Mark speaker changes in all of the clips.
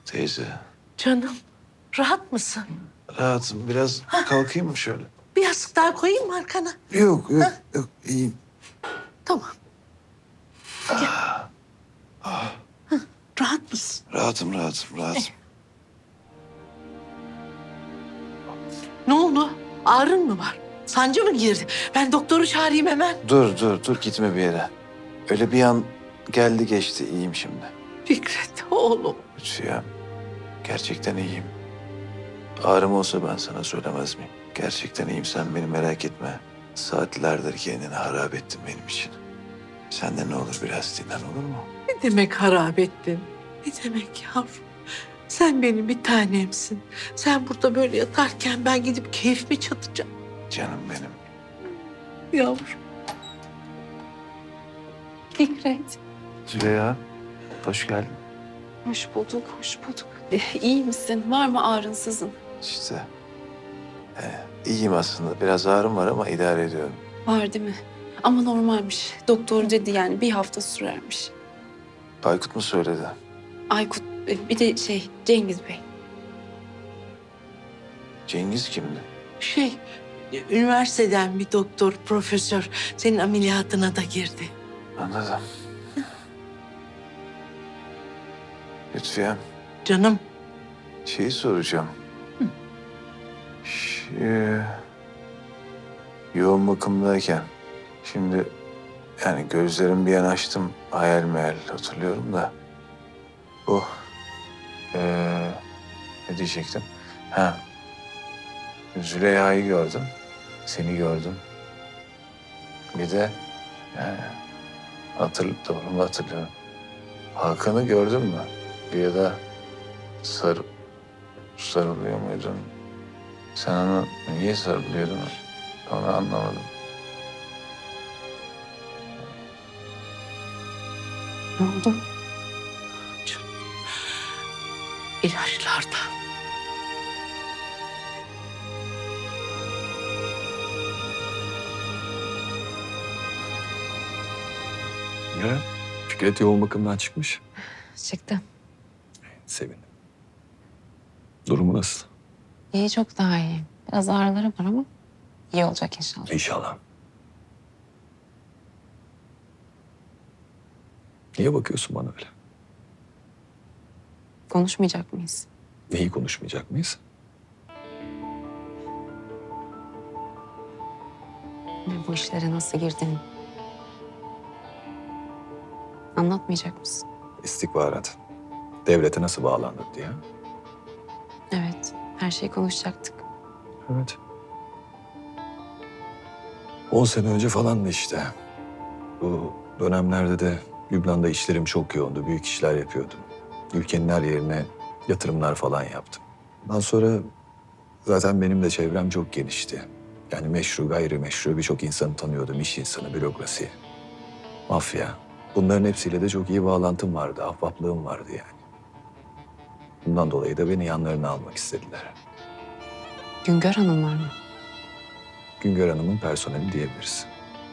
Speaker 1: Teyze,
Speaker 2: Canım, rahat mısın?
Speaker 1: rahatım. Biraz kalkayım mı şöyle?
Speaker 2: Bir yastık daha koyayım mı arkana?
Speaker 1: Yok, yok, yok. İyiyim.
Speaker 2: Tamam. Gel. Rahat mısın?
Speaker 1: Rahatım, rahatım, rahatım.
Speaker 2: Ne oldu? Ağrın mı var? Sancı mı girdi? Ben doktoru çağırayım hemen.
Speaker 1: Dur, gitme bir yere. Öyle bir an geldi geçti, iyiyim şimdi.
Speaker 2: Fikret, oğlum.
Speaker 1: Lütfiye, gerçekten iyiyim. Ağrım olsa ben sana söylemez miyim? Gerçekten iyiyim, sen beni merak etme. Saatlerdir kendini harap ettin benim için. Sen de ne olur biraz dinlen, olur mu?
Speaker 2: Ne demek harap ettin? Ne demek yavrum? Sen benim bir tanemsin. Sen burada böyle yatarken ben gidip keyfimi çatacağım.
Speaker 1: Canım benim.
Speaker 2: Yavrum.
Speaker 3: Fikret,
Speaker 1: Züleyha, hoş geldin.
Speaker 3: hoş bulduk, hoş bulduk. İyi misin? Var mı ağrın, sızın?
Speaker 1: İşte iyiyim aslında. Biraz ağrım var ama idare ediyorum.
Speaker 3: Var değil mi? Ama normalmiş. Doktor dedi yani bir hafta sürermiş.
Speaker 1: Aykut mu söyledi?
Speaker 3: Aykut, bir de Cengiz Bey.
Speaker 1: Cengiz kimdi?
Speaker 2: Üniversiteden bir doktor, profesör senin ameliyatına da girdi.
Speaker 1: Anladım. Lütfiye,
Speaker 2: Canım.
Speaker 1: şeyi soracağım. Yoğun bakımdayken şimdi yani gözlerimi bir an açtım, hayal meyal hatırlıyorum da bu ne diyecektim? Ha, Züleyha'yı gördüm, seni gördüm. Bir de yani doğru mu hatırlıyorum? Hakan'ı gördün mü? Bir de sarılıyor muydun? Sen ona niye sarılıyordun? Onu anlamadım.
Speaker 3: Ne oldu?
Speaker 2: İlaçlarda.
Speaker 4: Ya, Fikret yoğun bakımdan çıkmış.
Speaker 3: Çıktı.
Speaker 4: Sevindim. Durumu nasıl?
Speaker 3: İyi, çok daha iyi. Biraz ağrıları var ama iyi olacak inşallah.
Speaker 4: İnşallah. Niye bakıyorsun bana öyle?
Speaker 3: Konuşmayacak mıyız?
Speaker 4: Neyi konuşmayacak mıyız?
Speaker 3: Ve bu işlere nasıl girdin? Anlatmayacak mısın?
Speaker 4: İstihbarat. Devlete nasıl bağlandın diye.
Speaker 3: Evet, her şeyi konuşacaktık.
Speaker 4: Evet. 10 sene önce falandı işte. Bu dönemlerde de Lübnan'da işlerim çok yoğundu. Büyük işler yapıyordum. Ülkenin her yerine yatırımlar falan yaptım. Ondan sonra zaten benim de çevrem çok genişti. Yani meşru, gayrimeşru birçok insanı tanıyordum. İş insanı, bürokrasi, mafya. Bunların hepsiyle de çok iyi bağlantım vardı, ahbaplığım vardı yani. Bundan dolayı da beni yanlarına almak istediler.
Speaker 3: Güngör Hanım var mı?
Speaker 4: Güngör Hanım'ın personeli diyebiliriz.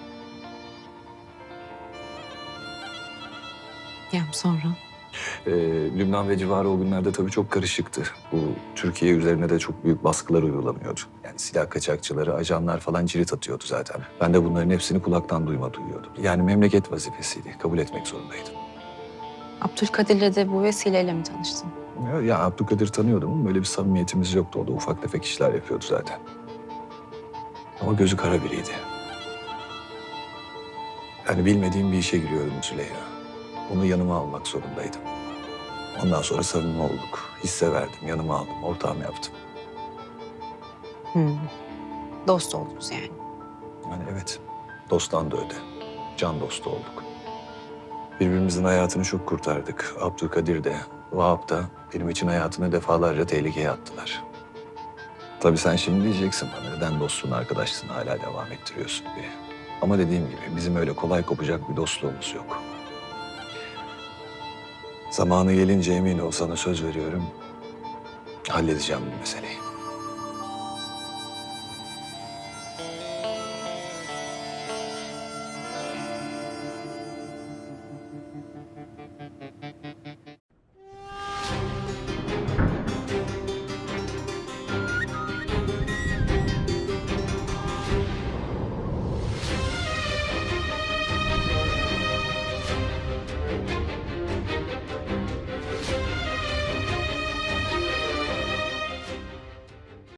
Speaker 3: Ya sonra?
Speaker 4: Lübnan ve civarı o günlerde tabii çok karışıktı. Bu Türkiye üzerine de çok büyük baskılar uygulanıyordu. Yani silah kaçakçıları, ajanlar falan cirit atıyordu zaten. Ben de bunların hepsini kulaktan duyma duyuyordum. Yani memleket vazifesiydi, kabul etmek zorundaydım.
Speaker 3: Abdülkadir'le de bu vesileyle mi tanıştın?
Speaker 4: Ya Abdülkadir tanıyordum ama böyle bir samimiyetimiz yoktu. O da ufak tefek işler yapıyordu zaten. Ama gözü kara biriydi. Yani bilmediğim bir işe giriyordum Züleyha. Onu yanıma almak zorundaydım. Ondan sonra samimi olduk. Hisse verdim, yanıma aldım, ortağım yaptım.
Speaker 3: Dost oldunuz yani.
Speaker 4: Yani evet, dosttan da öde. Can dostu olduk. Birbirimizin hayatını çok kurtardık. Abdülkadir de, Vahap da benim için hayatını defalarca tehlikeye attılar. Tabii sen şimdi diyeceksin bana neden dostluğun arkadaşlığını hala devam ettiriyorsun diye. Ama dediğim gibi bizim öyle kolay kopacak bir dostluğumuz yok. Zamanı gelince emin ol sana söz veriyorum. Halledeceğim bu meseleyi.